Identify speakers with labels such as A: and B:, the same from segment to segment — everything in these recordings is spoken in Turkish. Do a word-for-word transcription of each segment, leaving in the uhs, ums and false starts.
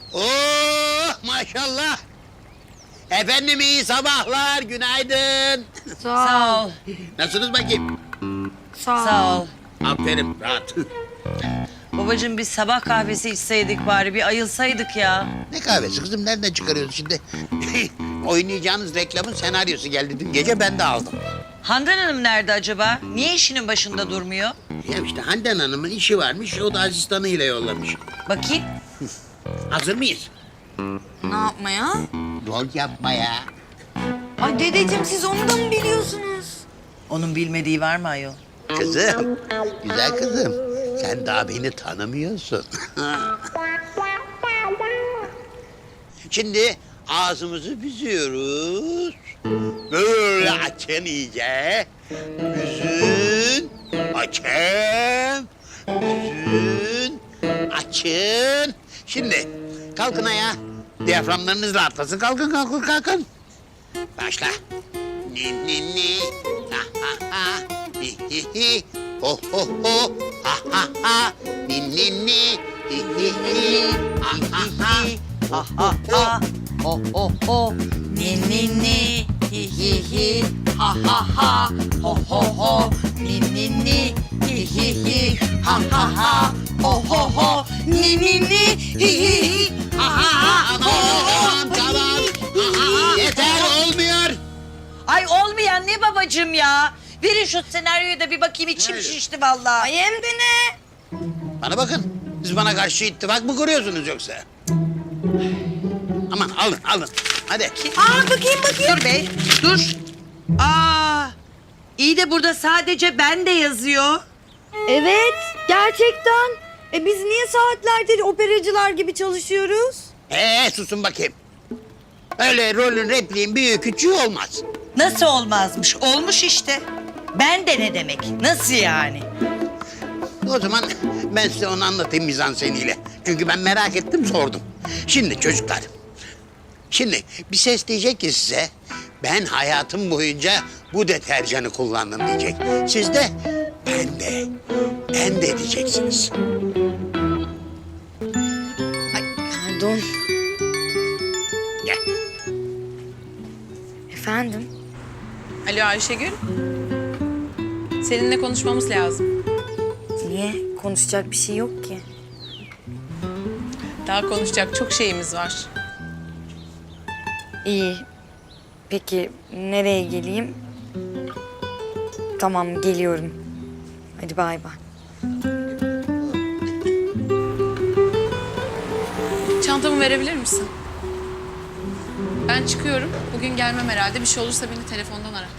A: Oh maşallah. Efendim iyi sabahlar, günaydın.
B: Sağ ol.
A: Nasılsınız bakayım?
B: Sağ ol.
C: Sağ ol.
A: Aferin, rahat.
C: Babacığım biz sabah kahvesi içseydik bari, bir ayılsaydık ya.
A: Ne kahvesi kızım, nereden çıkarıyorsun şimdi? Oynayacağınız reklamın senaryosu geldi dün gece, ben de aldım.
C: Handan Hanım nerede acaba? Niye işinin başında durmuyor?
A: Ya işte Handan Hanım'ın işi varmış, o da asistanıyla yollamış.
C: Bakayım.
A: Hazır mıyız?
B: Ne yapmaya?
A: Rol yapmaya.
B: Ay dedeciğim siz onu da mı biliyorsunuz?
C: Onun bilmediği var mı ayol?
A: Kızım, güzel kızım. Sen daha beni tanımıyorsun. Şimdi ağzımızı büzüyoruz. Böyle açın iyice. Büzün, açın, büzün, açın. Şimdi kalkın ayağa. Diyaframlarınız rahatlasın. Kalkın, kalkın, kalkın. Başla. Ni ni ni. Ha ha ha. Hi hi hi. Ho ho ho. Ha ha ha. Ni ni ni. Hi hi hi. Ha ha ha.
C: Ha ha ha. Ho ho ho. Ni ni ni. Hi hi hi. Ha ha ha. Ho ho ho. Ni ni ni. Hi hi hi. Ha ha ha. Ho ho ho. Ni ni ni. Hi hi hi. Ha ha ha.
A: Tamam, tamam, tamam. Yeter, olmuyor.
C: Ay olmayan ne babacığım ya? Verin şu senaryoyu da bir bakayım, içim
A: Hayır.
C: şişti vallahi.
B: Ay hem de ne?
A: Bana bakın. Siz bana karşı ittifak mı kuruyorsunuz yoksa? Aman alın, alın. Hadi.
B: Aa bakayım bakayım.
C: Dur bey, dur. Aa, iyi de burada sadece ben de yazıyor.
B: Evet gerçekten. E biz niye saatlerdir operacılar gibi çalışıyoruz?
A: Ee, susun bakayım. Öyle rolün, repliğin büyüğü küçüğü olmaz.
C: Nasıl olmazmış? Olmuş işte. Ben de ne demek? Nasıl yani?
A: O zaman ben size onu anlatayım mizanseniyle. Çünkü ben merak ettim, sordum. Şimdi çocuklar, şimdi bir ses diyecek ki size... ...ben hayatım boyunca bu deterjanı kullandım diyecek. Siz de ben de, ben de diyeceksiniz.
B: Ay pardon.
A: Gel.
B: Efendim?
D: Alo Ayşegül. Seninle konuşmamız lazım.
B: Niye? Konuşacak bir şey yok ki.
D: Daha konuşacak çok şeyimiz var.
B: İyi. Peki nereye geleyim? Tamam geliyorum. Hadi bay bay.
D: Çantamı verebilir misin? Ben çıkıyorum. Bugün gelmem herhalde. Bir şey olursa beni telefondan ara.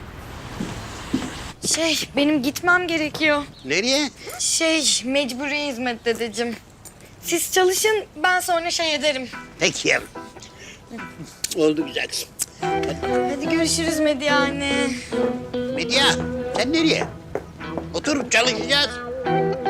B: Şey benim gitmem gerekiyor.
A: Nereye?
B: Şey mecburi hizmet dedeciğim. Siz çalışın ben sonra şey ederim.
A: Peki yavrum. Oldu güzel kızım.
B: Hadi görüşürüz Medya anne.
A: Medya, sen nereye? Oturup çalışacağız.